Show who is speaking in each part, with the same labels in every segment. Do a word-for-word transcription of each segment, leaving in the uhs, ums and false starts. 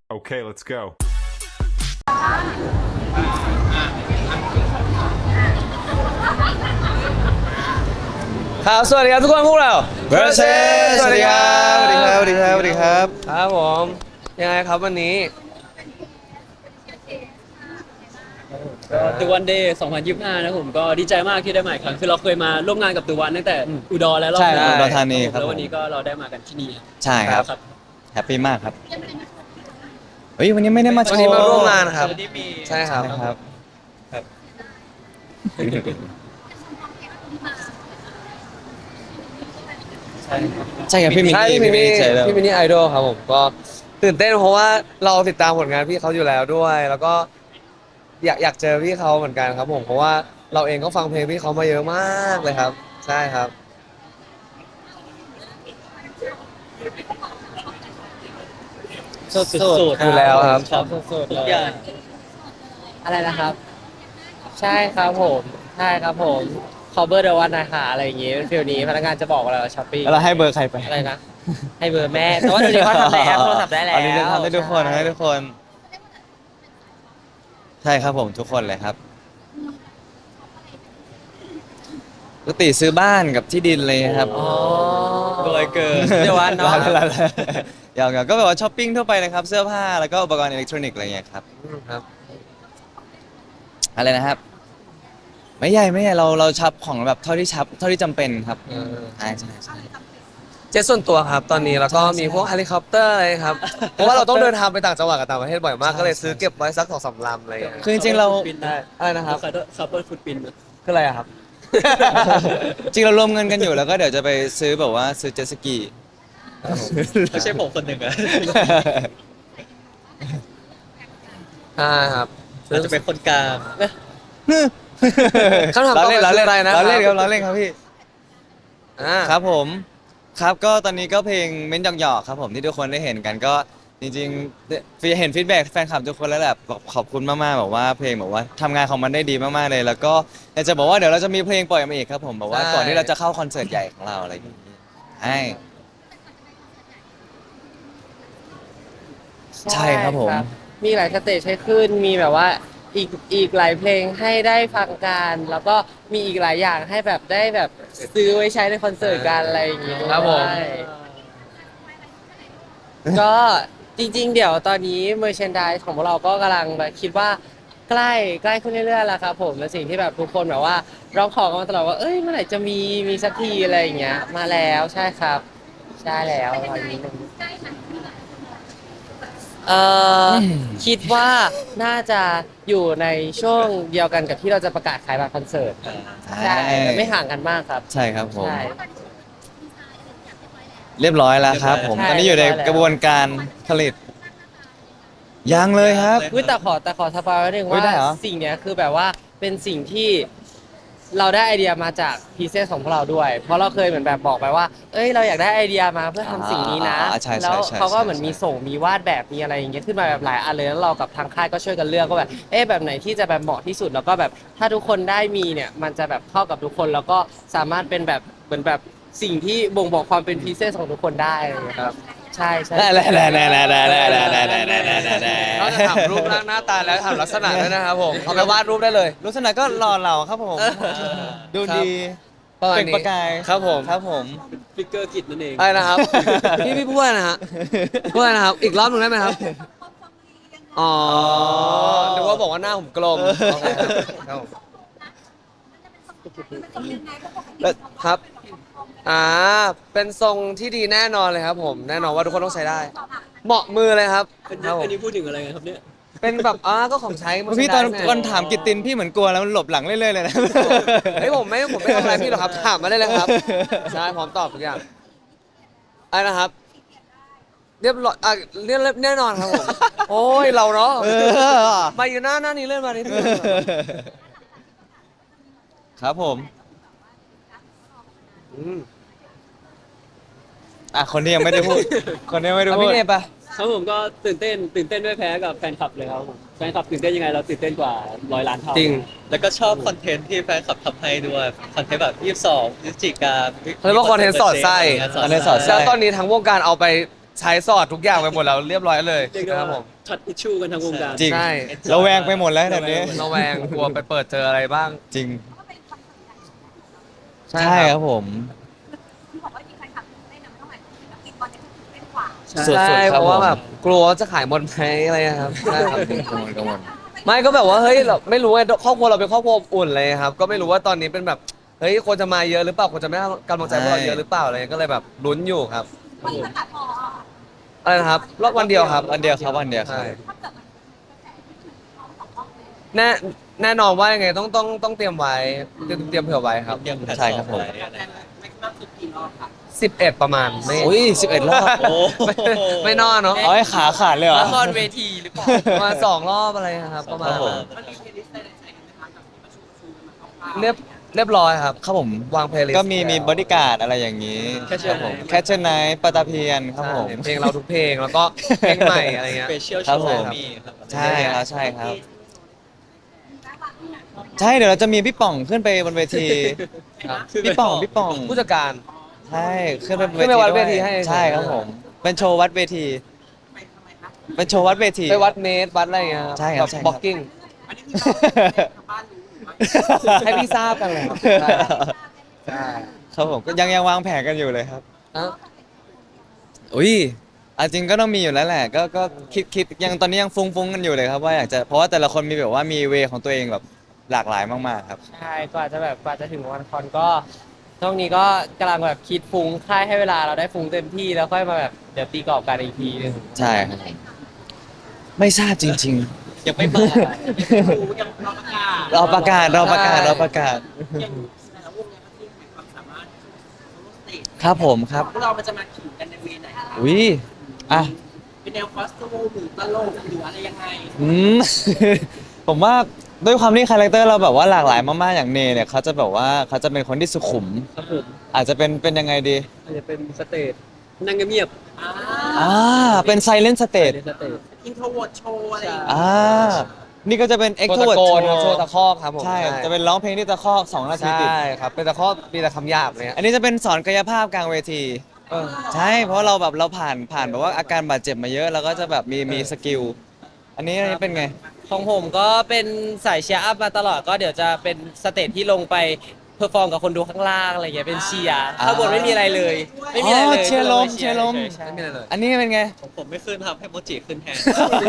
Speaker 1: Okay, let's go.
Speaker 2: ครับสวัสดีครับทุกคนพวกเรา
Speaker 3: Versus สวัสดีครับสวัสดีครับสวัสดีครับสวัสดีครับ
Speaker 2: ครับผมยังไงครับวันนี้
Speaker 4: ก็ The One Day สองพันยี่สิบห้านะผมก็ดีใจมากที่ได้มาอีกครั้งคือเราเคยมาร่วมงานกับ The One ตั้งแต่อุดรและรอบ
Speaker 3: ใช่
Speaker 4: ห
Speaker 3: ครับ
Speaker 4: นึ่ง
Speaker 3: อุดรธานีครับ
Speaker 4: แล้ววันนี้ก็เราได้มากันที่นี่
Speaker 3: ใช่ครับ
Speaker 4: ครับ
Speaker 3: แฮปปี้มากครับเฮ้ยวันนี้ไม่ได้มาโช
Speaker 2: วัน
Speaker 3: ว์
Speaker 2: นี้มาร่วมงานครับ
Speaker 4: วันนี้มี
Speaker 2: ใช่ครับ
Speaker 3: ใช่ครับ
Speaker 4: ครับ ใช่ครับ
Speaker 3: ใช่ครับพี่มิน
Speaker 2: ใช่
Speaker 3: นี่
Speaker 2: พี่มินนี่
Speaker 3: ใช่แล้ว
Speaker 2: พี่มินนี่ไอดอลครับผมก็ตื่นเต้นเพราะว่าเราติดตามผลงานพี่เขาอยู่แล้วด้วย แล้วก็อยากอยากเจอพี่เขาเหมือนกันครับผมเพราะว่าเราเองก็ฟังเพลงพี่เขามาเยอะมากเลยครับ ใช่ครับ
Speaker 4: สดสด
Speaker 2: อยู่แล้วครับ
Speaker 4: ชอบสดสดทุกอย่าง
Speaker 5: อะไรนะครับ ใช่ครับผม ใช่ครับผม cover the one นะคะอะไรอย่างงี้เป็นฟิลนี้พนักงานจะบอกเราช้อปปิ้ง
Speaker 3: แล้วเราให้เบอร์ใครไป
Speaker 5: อะไรนะ ให้เบอร์แม่ แต่ว่าเดี๋ยวนี้เขาทำในแอปโทรศัพท์ได้แล้ว
Speaker 3: อันนี้ทำได้ทุกคนให้ทุกคน ใช่ครับผมทุกคนเลยครับปกติซื้อบ้านกับที่ดินเลยครับ
Speaker 5: อ๋อ
Speaker 4: รวยเกิน
Speaker 5: เดี๋ยววันเนาะ
Speaker 3: อย่างๆก็แบบว่าช้อปปิ้งทั่วไปเลยครับ เสื้อผ้าแล้วก็อุปกรณ์อิเล็กทรอนิกส์อะไรอย่างเงี้ยครับ
Speaker 2: อืมครับ
Speaker 3: อะไรนะครับ ไม่ใหญ่ไม่ใหญ่เราเราชับของแบบเท่าที่ชับเท่าที่จำเป็นครับ
Speaker 2: เออ
Speaker 3: ใช่ใช่ใช่
Speaker 2: เจ็ตส่วนตัวครับตอนนี้แล้วก็มีพวกเฮลิคอปเตอร์อะไรครับเพราะว่าเราต้องเดินทางไปต่างจังหวัดกับต่างประเทศบ่อยมากก็เลยซื้อเก็บไว้สักสองสามลำอะไรอย่างเงี้ย
Speaker 3: คือจริงๆเรา
Speaker 2: ได้อะไรนะครับ
Speaker 4: คัพเปิลฟุตปิน
Speaker 2: คืออะไรอะครับ
Speaker 3: จริงเรารวมเงินกันอยู่แล้วก็เดี๋ยวจะไปซื้อแบบว่าซื้อเจ็ตสกี
Speaker 4: ไม่ใช่ผมคนหนึ่งอะ
Speaker 2: ใช่ครับ
Speaker 4: เราจะเป็นคนกลาง
Speaker 2: คำถามต่อไป
Speaker 3: เราเล่น
Speaker 2: คืออะไรนะครับ
Speaker 3: เราเล่นครับเราเล่นครับพี่
Speaker 2: อ่า
Speaker 3: ครับผมครับก็ตอนนี้ก็เพลงเม้นหยอกๆครับผมที่ทุกคนได้เห็นกันก็จริงๆเห็นฟีดแบ็กแฟนคลับทุกคนแล้วแหละบอกขอบคุณมากๆแบบว่าเพลงแบบว่าทำงานของมันได้ดีมากๆเลย แล้วก็อยากจะบอกว่าเดี๋ยวเราจะมีเพลงปล่อยมาอีกครับผมแบบว่าก่อนที่เราจะเข้าคอนเสิร์ตใหญ่ของเราอะไรอย่างนี้ใช่ใช่ครับผม
Speaker 5: มีหลายสเตจให้ขึ้น มีแบบว่าอีกอีกหลายเพลงให้ได้ฟังกัน แล้วก็มีอีกหลายอย่างให้แบบได้แบบซื้อไว้ใช้ในคอนเสิร์ตกันอะไรอย่างงี้
Speaker 2: ครับผม
Speaker 5: ใช่ก็จริงๆ เดี๋ยวตอนนี้เมอร์เชนด s e ของพวกเราก็กำลังแบบคิดว่าใกล้ใกล้ขึ้นเรื่อยๆแล้วครับผมและสิ่งที่แบบทุกคนแบบว่าร้องขอกันมาตลอดว่าเอ้ยเมื่อไหร่จะมีมีสักทีอะไรอย่างเงี้ยมาแล้วใช่ครับ ใช่แล้วตอนนี้เอ่ออคิดว่าน่าจะอยู่ในช่วงเดียวกันกับที่เราจะประกาศขายบัตรคอนเสิร์ตใช่ไม่ห่างกันมากครับ
Speaker 3: ใช่ครับผม
Speaker 5: ใช่
Speaker 3: เรียบร้อยแล้วครับผม
Speaker 5: ใช่
Speaker 3: ตอนนี้อยู่ใน
Speaker 5: เรียบร้อยแล้ว
Speaker 3: กระบวนการผลิตยังเลยครับ
Speaker 5: อุ๊ยแต่ขอแต่ขอสปอยไว้หนึ่ง
Speaker 3: อุ๊ย
Speaker 5: ว่า
Speaker 3: ได้เหรอ
Speaker 5: สิ่งเนี้ยคือแบบว่าเป็นสิ่งที่เราได้ไอเดียมาจากพีเซสของพวกเราด้วย เพราะเราเคยเหมือนแบบบอกไปว่า เอ้ยเราอยากได้ไอเดียมาเพื่อทำสิ่งนี้นะ
Speaker 3: อ่าใช่ใช่
Speaker 5: แล้ว
Speaker 3: ใช่
Speaker 5: เขาก็เหมือน
Speaker 3: ใช่
Speaker 5: มีส่งมีวาดแบบมีอะไรอย่างเงี้ยขึ้นมาแบบหลายอันเลยแล้วเรากับทางค่ายก็ช่วยกันเลือกก็แบบเอ๊ะแบบไหนที่จะแบบเหมาะที่สุดแล้วก็แบบถ้าทุกคนได้มีเนี่ยมันจะแบบเข้ากับทุกคนแล้วก็สามารถเป็นแบบเหมือนแบบสิ่งที่บ่งบอกความเป็นพีเซสของทุกคนได้อะไรอย่างเงี้ยครับใช่ใช่
Speaker 3: ได้ได้ได้ได้ได้ได้ได้ได้ได้ได้ได้ได้ได้
Speaker 2: นอกจากถามรูปร่างหน้าตาแล้วถามลักษณะด้วยนะครับผมเอาไปวาดรูปได้เลย
Speaker 3: ลักษณะก็หล่อเหลาครับผม ดูดี
Speaker 2: ประมาณ
Speaker 3: เป็น
Speaker 2: นี้
Speaker 3: ประกาย
Speaker 2: ครับผม
Speaker 3: ครับผม
Speaker 4: ฟิกเกอร์กิจนั่นเอง
Speaker 2: อะไรนะครับ พี่พี่พูดอะไรนะฮะพูดอะไรนะครับ อีกรอบหนึ่งได้ไหมครับ อ๋อนึกว่าบอกว่าหน้าผมกลมโอเคครับผมแล้วครับ อ่า เป็นทรงที่ดีแน่นอนเลยครับผม แน่นอนว่าทุกคนต้องใช้ได้ เหมาะมือเลยครับ
Speaker 4: อัน
Speaker 2: ครับผม
Speaker 4: นี้อันนี้พูดถึงอะไรกันครับเนี่ย
Speaker 2: เป็นแบบอ่าก็ของใช้มา
Speaker 3: พี่ตอน
Speaker 2: ใช้ได้
Speaker 3: ตอนถามกิตตินพี่เหมือนกลัวแล้วมันหลบหลังเรื่อยๆเลยนะ
Speaker 2: เฮ้ยผมไม่ผมไม่ทำอะไรพี่หรอกครับ ถามมาได้เลยครับ ใช่พร้อมตอบทุกอย่างอะไรนะครับ เรียบร้อยอ่ะเรียบแน่นอนครับผม โอ้ยเราเนาะ
Speaker 3: เออ
Speaker 2: มาอยู่หน้าหน้านี้เลื่อนมานิดนึง
Speaker 3: ครับผม
Speaker 2: อืม
Speaker 3: อ่ะคนที่ยังไม่ได้พูด คนที่ยังไม่ได้
Speaker 2: เอา
Speaker 3: พูด
Speaker 2: พี่เนยปะ
Speaker 4: ครับผมก็ตื่นเต้นตื่นเต้นด้วยแพ้กับแฟนคลับเลยครับผมแฟนคลับตื่นเต้นยังไงเราตื่นเต้นกว่าร้อยล้านเท่า
Speaker 2: จริง
Speaker 6: แล้วก็ชอบคอนเทนต์ที่แฟนคลับทำให้ด้วยคอนเทนต์แบบยี่สิบสองพฤศจิกา
Speaker 2: เขาเรียกว่าคอนเทนต์สอดไส้
Speaker 3: คอนเทนต์สอดไส้
Speaker 2: แล้วตอนนี้ทั้งวงการเอาไปใช้สอดทุกอย่างไปหมดแล้วเรียบร้อยเลย
Speaker 4: เรียกได้
Speaker 2: นะครับผ
Speaker 4: ว่าม ช็อตอิชชูกันทั้งวงการ
Speaker 3: จริง
Speaker 2: ใช่
Speaker 3: เราแวงไปหมดแล้วตอนนี้
Speaker 2: ระแวงกลัวไปเปิดเจออะไรบ้าง
Speaker 3: จริง
Speaker 2: ใช่
Speaker 3: ใช่
Speaker 2: ค
Speaker 3: ค
Speaker 2: รั
Speaker 3: รับ บผม
Speaker 1: ที่บอกว่ามีแฟนคลับเล่นนะไม่ต้องหมายถึงศิลปินตอนนี้คือเล่นกว่า
Speaker 3: สุดๆ
Speaker 2: ใช่
Speaker 3: ค
Speaker 2: เพ
Speaker 3: รับ
Speaker 2: ราะว่า
Speaker 3: ผม
Speaker 2: แบบกลัวว่าจะขายหมดไหมอะไรครับใช่ครับ
Speaker 3: กังวลกังวล
Speaker 2: ไม่ก็แบบว่าเฮ้ยเราไม่รู้ไงครอบครัวเราเป็นครอบครัวอบอุ่นเลยครับ ก็ไม่รู้ว่าตอนนี้เป็นแบบเฮ้ยคนจะมาเยอะหรือเปล่าคนจะไม่ให้กำลังใจพวกเราเยอะหรือเปล่าอะไรก็เลยแบบลุ้นอยู่ครับ
Speaker 1: วันนี้มันตัดพอ
Speaker 2: อะไรนะครับรอบวันเดียวครับ
Speaker 3: วันเดียวครับวันเดียวครับ
Speaker 2: ใช่
Speaker 1: ถ้าเกิดมันกระแสที่ถึงเขาสองรอบเลย
Speaker 2: แน่แน่นอนว่ายังไงต้องต้องต้องเตรียมไว้เตรียมเตรียมเผื่อไว้ครับ
Speaker 6: เตรียมแพลตฟอ
Speaker 3: ใช่ครับผม
Speaker 6: ไว้อะไร
Speaker 2: สิบเอ็ดประมาณไม่
Speaker 3: อุ้ยสิบเอ็ดรอบ
Speaker 6: โอ้
Speaker 2: ไม่ไม่นอนเนาะ
Speaker 3: เอาให้ขาขาดเลยเหรอ
Speaker 5: ละครเวทีหรือเปล่า
Speaker 2: ประมาณสองรอบอะไรครับประมาณ
Speaker 3: ครับผม
Speaker 2: เรียบเรียบร้อยครับ
Speaker 3: ครับผม
Speaker 2: วางเพลย์ลิสต์
Speaker 3: ก็มีมีบอดี้การ์ดอะไรอย่างนี้
Speaker 4: Catcher
Speaker 3: ครับผม
Speaker 4: Night
Speaker 3: แคชเชอร์ไนท์ปาตาเพียนครับผม
Speaker 2: ใช่เพลงเราทุกเพลงแล้วก็เพลงใหม่อะไรเงี้ย
Speaker 6: สเปเชียล
Speaker 3: ครั
Speaker 6: โช
Speaker 3: บผม
Speaker 6: ว์มีครับ
Speaker 3: ใช่ครับใช่ครับ ใช่เดี๋ยวเราจะมีพี่ป่องขึ้นไปบนเวที
Speaker 2: ครับ
Speaker 3: พี่ป่องพี่ป่อง
Speaker 2: ผู้จัดการ
Speaker 3: ใช่ขึ้นไปบน
Speaker 2: ขึ้นไปวัด
Speaker 3: ด้ย
Speaker 2: เวทีให้
Speaker 3: ใช่ครับผม เป็นโชว์วัดเวที เป็นโชว์วัดเวที
Speaker 2: ไปวัดเมตรวัดอะไรเงี้ย
Speaker 3: ใช่ครับใช่ครับ
Speaker 2: บ็อกกิ้งให้พี่ทราบกันเลยครับใช่ใช่
Speaker 3: ครับผมก็ยังยังวางแผนกันอยู่เลยครับ
Speaker 2: อ่ะ
Speaker 3: อุ้ยอาจริงก็ต้องมีอยู่แล้วแหละ ก็ก็คิดคิดยังตอนนี้ยังฟุ้งฟุ้งกันอยู่เลยครับว่าอยากจะเพราะว่าแต่ละคนมีแบบว่ามีเวของตัวเองแบบหลากหลายมากๆครับ
Speaker 5: ใช่กว่าจะแบบกว่าจะถึงวันคอนก็ช่วงนี้ก็กำลังแบบคิดฟุ้งค่ายให้เวลาเราได้ฟุ้งเต็มที่แล้วค่อยมาแบบเดี๋ยวตีกรอบกันอีกทีนึง
Speaker 3: ใช่ครับไม่ทราบจริง
Speaker 6: ยังไม่มา
Speaker 3: ๆ เราประกาศเราประกาศเราประกาศ ครับผมครับ
Speaker 7: พวกเรามันจะมาขิงกันในเวไหน
Speaker 3: อุ้ยอ่ะ
Speaker 7: เป็นแนวคอสตูมหรือตลกหรืออะไรยังไง
Speaker 3: อืม ผมว่าด้วยความที่คาแรคเตอร์เราแบบว่าหลากหลายมากๆอย่างเนเนี่ยเขาจะแบบว่าเขาจะเป็นคนที่สุขุม
Speaker 4: ครับผม
Speaker 3: อาจจะเป็นเป็นยังไงดี
Speaker 4: อาจจะเป็นสเตจนั่งเงียบ
Speaker 7: อ่า
Speaker 3: อ่าเป็นไซเลนสเต
Speaker 4: ๆ
Speaker 3: ท
Speaker 4: ในสเตจ
Speaker 7: อินโทรเวิร์ดโชว์อะไรอย่างเงี้ย
Speaker 3: อ่านี่ก็จะเป็นเอ็ก
Speaker 2: โช
Speaker 3: โท
Speaker 2: ว์
Speaker 3: เวิ
Speaker 2: ตะ
Speaker 3: ร์ด
Speaker 2: โกนครับโชว์ตะคอกครับผม
Speaker 3: ใช่ จะเป็นร้องเพลงที่ตะคอกสองนาทีติด
Speaker 2: ใช่ครับเป็นตะคอกมีแต่คำหยาบเนี่ย
Speaker 3: อันนี้จะเป็นสอนกายภาพกลางเวที
Speaker 2: เออ
Speaker 3: ใช่ เพราะเราแบบเราผ่านผ่านแบบว่าอาการบาดเจ็บมาเยอะ แล้วก็จะแบบมีมีสกิล อันนี้อันนี้เป็นไง
Speaker 5: ของผมก็เป็นสายเชียร์อัพมาตลอดก็เดี๋ยวจะเป็นสเตจที่ลงไปเพอร์ฟอร์มกับคนดูข้างล่างอะไรอย่างเงี้ยเป็นเชียร์
Speaker 3: อ่า
Speaker 5: ข้างบนไม่มีอะไรเลย ไม่มีอะไรเลย
Speaker 3: อ๋อเชียร์ลมเชียร์ลม
Speaker 5: ใช่
Speaker 2: ไม่มีอะไรเลย
Speaker 3: อันนี้เป็นไง
Speaker 6: ของผมไม่ขึ้นครับให้โมจิขึ้นแทน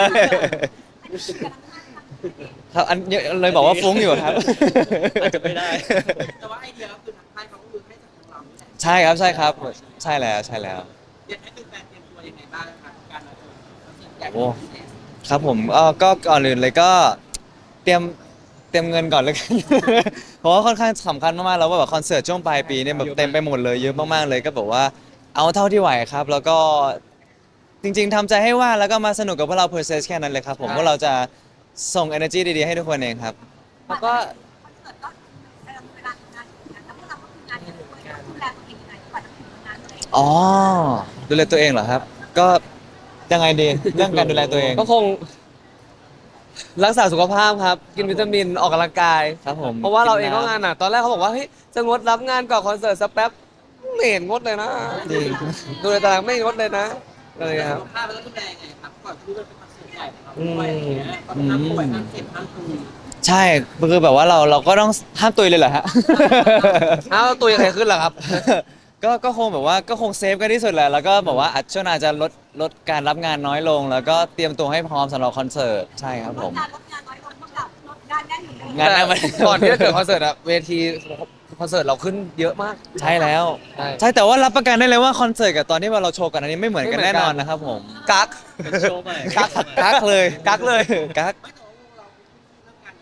Speaker 3: ครับอันนี้เลยบอกว่าฟุ้งอยู่ครับ
Speaker 6: อาจจะไม่ได้
Speaker 7: แต่ว่าไอเดียก็คือทางค่ายเขาก็คือให้จากทางเรานี่แหละ
Speaker 3: ใช่ครับใช่ครับ ใช่แล้วใช่แล้ว
Speaker 7: เดี๋ยวให้คือแฟนเตรียมตัวยังไงบ้างครับการมาเจอสิ่งใหญ่
Speaker 3: โอ้ ครับผมเอ่อก็ก่อนอื่นเลยก็เตรียมเตรียมเงินก่อนเลยกัน เพราะว่าค่อนข้างสำคัญมากๆแล้วว่าแบบคอนเสิร์ตช่วงปลายปีเนี่ยแบบเต็มไปหมดเลยเยอะมากๆเลยก็แบบว่าเอาเท่าที่ไหวครับ แล้วก็จริงๆทำใจให้ว่างแล้วก็มาสนุกกับพวกเรา process แค่นั้นเลยครับผมพวกเราจะส่ง energy ดีๆให้ทุกคนเองครับ
Speaker 5: แล้วก็
Speaker 1: คอนเสิร์ตก็เวลาเวลาทำงานอยู่นะแล้วพวกเราก็คืองานกันด้วยต้องดูแลตัวเองยังไงกว่าจะถึงงานตัวเอง
Speaker 3: อ๋อดูแลตัวเองเหรอครับ ก็ยังไงดีเรื่องการดูแลตัวเอง
Speaker 2: ก็คง รักษาสุขภาพครับ กินวิตามินออกกำลังกาย
Speaker 3: ครับผม
Speaker 2: เพราะว่าเราเองก็
Speaker 3: นน้ำ
Speaker 2: งานหนักตอนแรกเขาบอกว่าเฮ้ยจะงดรับงานก่อนคอนเสิร์ตสักแป๊บไม่เห็นงดเลยนะ
Speaker 3: จริง
Speaker 2: ดูในตารางไม่งดเลยนะอะไรครับ
Speaker 7: สุขภาพแล้วก็ดูแลยังไงครับก่อนที่จะเป็นคอนเสิร์ตใหญ่ของเราด้วยอะไรอย่างเงี้ยตอนห้ามป่วยห้ามเจ็บห้ามตุย
Speaker 3: ใช่คือแบบว่าเราเราก็ต้องห้ามตุยเลยเหรอฮะ
Speaker 2: อ้าวตัวยังไงขึ้นล่ะครับ
Speaker 3: ก็ก็คงแบบว่าก็คงเซฟกันที่สุดแหละแล้วก็แบบว่าอาจช่วงหน้าจะลดลดการรับงานน้อยลง แล้วก็เตรียมตัวให้พร้อมสำหรับคอนเสิร์ตใช่ครับผม
Speaker 1: งานลดงานน้อยลงเท่ากับลดงานแน่นอยู่เลย
Speaker 3: งานแน่น
Speaker 2: แต่ก่อนที่จะเกิดคอนเสิร์ตอะเวทีคอนเสิร์ตเราขึ้นเยอะมาก
Speaker 3: ใช่แล้ว
Speaker 2: ใช่
Speaker 3: ใช่แต่ว่ารับประกันได้เลยว่าคอนเสิร์ตกับตอนที่เราโชว์กันอันนี้ไม่เหมือนกัน
Speaker 2: ไม่เหมื
Speaker 3: แน่
Speaker 2: อนกัน
Speaker 3: นอนนะครับผม
Speaker 2: กัก
Speaker 6: เป็นโชว์ใหม่
Speaker 3: กักกักเลย
Speaker 2: กักเลย
Speaker 3: กัก
Speaker 7: ไม่แต่ว่าเราเรื่องการ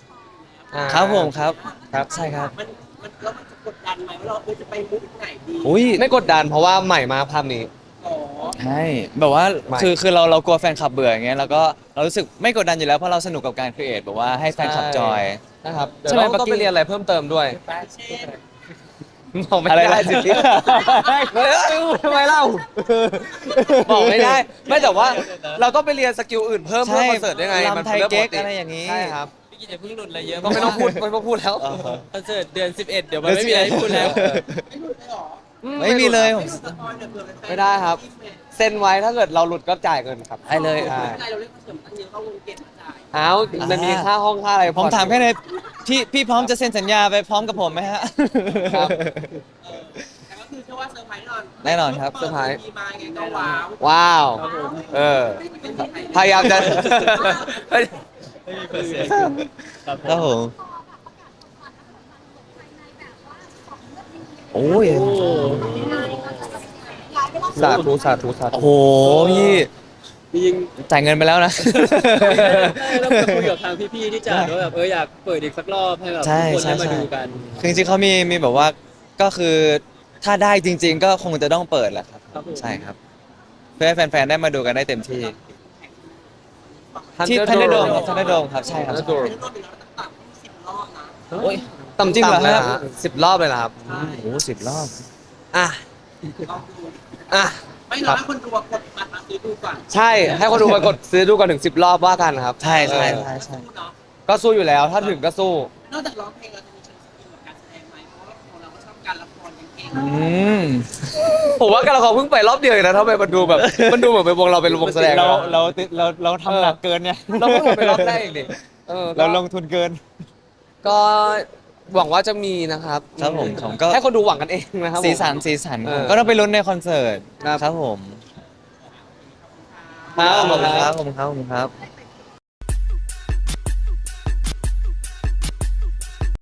Speaker 2: อ่า
Speaker 3: ครับผมครับ
Speaker 2: ครับ
Speaker 3: ใช่ครับ
Speaker 7: มันมันแล้วมันจะกดดันไหมว่าเราเออจะไปมุกไหนดี
Speaker 3: อุ้ย
Speaker 2: ไม่กดดันเพราะว่าใหม่มาภาพนี้
Speaker 7: อ๋อ
Speaker 3: ใช่แบบว่า
Speaker 2: ไม่
Speaker 3: คือคือเราเรากลัวแฟนคลับเบื่ออย่างเงี้ยแล้วก็เรารู้สึกไม่กดดันอยู่แล้วเพราะเราสนุกกับการครีเอทแบบว่าให้แฟนคลับจอย
Speaker 2: นะครับเดี๋ยว
Speaker 3: ใช่ไหม
Speaker 2: เรา
Speaker 3: ปัก
Speaker 2: ต้อง
Speaker 3: กิ้
Speaker 2: ไป
Speaker 3: ง
Speaker 2: เรียนอะไรเพิ่มเติมด้วย
Speaker 7: เช่น
Speaker 2: บอกไม่
Speaker 3: อะไร
Speaker 2: ได้
Speaker 3: นะ
Speaker 2: สิพี่ไม่ได้ทำไมเล่าบอกไม่ได้ ไม่แต่ว่าเราต้องไปเรียนสกิลอื่นเพิ่มเพื่อคอนเสิร์ตได้ไง
Speaker 3: ลำไทย
Speaker 2: เป็น
Speaker 3: เก๊ก
Speaker 2: เรื่องปติ
Speaker 3: อะไรอย่างนี้
Speaker 2: ใช่ครับ
Speaker 5: พี่กินอย่าเพิ่งหลุดอะไรเยอะ
Speaker 2: ก็ไม่ต้องพูดไม่ต้องพูดแล้ว
Speaker 3: อ่าฮะ
Speaker 5: คอนเสิร์ตเดือนสิบเอ็ดเดี๋ยวมันไม่มีอะไรให้พูดแล้ว
Speaker 7: ไม่หลุดเลยเหรอ
Speaker 3: ไม่มีเลยผม
Speaker 7: สปอยล์เดี๋ยวเผื่อแฟนๆ
Speaker 2: ไม่ได้ครับเซ็นไว้ถ้าเกิดเราหลุดก็จ่ายเงินครับ
Speaker 3: ได้เลย
Speaker 2: ใช่
Speaker 7: ไม่เป็นไรเราเล่นคอนเสิร์ตตั้งเยอะก็วงเก็บมาจ่าย
Speaker 2: อ้าวมันมีค่าห้องค่าอะไร
Speaker 3: ผมถามแค่ในพี่พี่พร้อมจะเซ็นสัญญาไปพร้อมกับผมไหมฮะ
Speaker 2: ครับ
Speaker 7: เออแต่ก็คือเชื่อว่าเซอร์ไพรส์แน่นอน
Speaker 3: แน่นอนครับ
Speaker 2: เซอร์ไพรส์
Speaker 7: มีมาไงก็ว้าว
Speaker 2: ว้าว
Speaker 4: ครับผม
Speaker 2: เออ พยายามจะ
Speaker 4: ครับผ
Speaker 3: ครับ
Speaker 4: ม
Speaker 3: ผมโอ้ย
Speaker 4: โอ้
Speaker 2: สาธุสาธุสาธุ
Speaker 3: โอ้โหพี่
Speaker 4: จริง
Speaker 3: จ่ายเงินไปแล้วนะ
Speaker 4: ๆต้องไปคุยกับทางพี่ๆที่จัดว่าแบบเอออยากเปิดอีกสักรอบให้แบบ
Speaker 3: ใช่
Speaker 4: ทุกคนได้
Speaker 3: ใช่
Speaker 4: มา
Speaker 3: ใช่
Speaker 4: ดูกัน
Speaker 3: คือจริงๆเขามีมีแบบว่าก็คือถ้าได้จริง ๆ ก็คงจะต้องเปิดแหละครับ
Speaker 4: ครับผม
Speaker 3: ใช่ครับ เพื่อให้แฟนๆได้มาดูกันได้เต็มที่ ที่
Speaker 2: Thunder
Speaker 3: ทันเดอร์โดม
Speaker 2: Dome
Speaker 3: ครับทันเดอร์โดมครับใช่ครับ
Speaker 2: Thunder Dome
Speaker 7: เป็นรอบเป็นรอบต่างๆสิบรอบนะ
Speaker 3: โอ้ย
Speaker 2: ต่ำ
Speaker 3: จริงเหรอ
Speaker 2: ๆเลย
Speaker 3: ครั
Speaker 2: นะ
Speaker 3: บ
Speaker 2: ฮะสิบรอบเลยนะครับ
Speaker 7: ใช่
Speaker 3: โอ้โหสิบรอบ
Speaker 2: อ่ะ
Speaker 7: ลองดู
Speaker 2: อ่ะ
Speaker 7: ไม่รอให้คนดูกดบัตรมาซื้อดูก่อน
Speaker 2: ใช่ ให้คนดูมากดซื้อดูกันถึงสิบรอบว่ากันครับ
Speaker 3: ใช่ใช่
Speaker 2: เออ
Speaker 3: ใช่ใช่
Speaker 7: สู้เนาะ
Speaker 2: ก็สู้อยู่แล้ว ถ้าถึงก็สู้
Speaker 7: นอกจากร้องเพลงเราจะมีเชิงสกิลกับการแสดงไหมเพราะว่าของเราก็ชอบการละครอย่างเก่ง
Speaker 3: อืม
Speaker 2: ผมว่าการละครเพิ่งไปรอบเดียวเองนะทำไมมันดูแบบ มันดูเหมือนเป็นวงเราเป็นวงแสดง
Speaker 3: เรา
Speaker 2: อะ
Speaker 3: เราเราเราทำหนักเกินไง
Speaker 2: เราเพิ่งลงไปรอบแรกเองดิเออก็
Speaker 3: เราลงทุนเกิน
Speaker 2: ก็หวังว่าจะมีนะครับ
Speaker 3: ครับผมผมก็
Speaker 2: ให้คนดูหวังกันเองนะครับผม
Speaker 3: สีสันสีสัน
Speaker 2: เออ
Speaker 3: ก็ต้องไปลุ้นในคอนเสิร์ต
Speaker 2: ครับ
Speaker 3: ครับผม
Speaker 2: ครับ
Speaker 3: ขอบคุณ
Speaker 2: ค
Speaker 3: ค
Speaker 2: รั
Speaker 3: รับ บขอบคุณครับขอบคุณครับ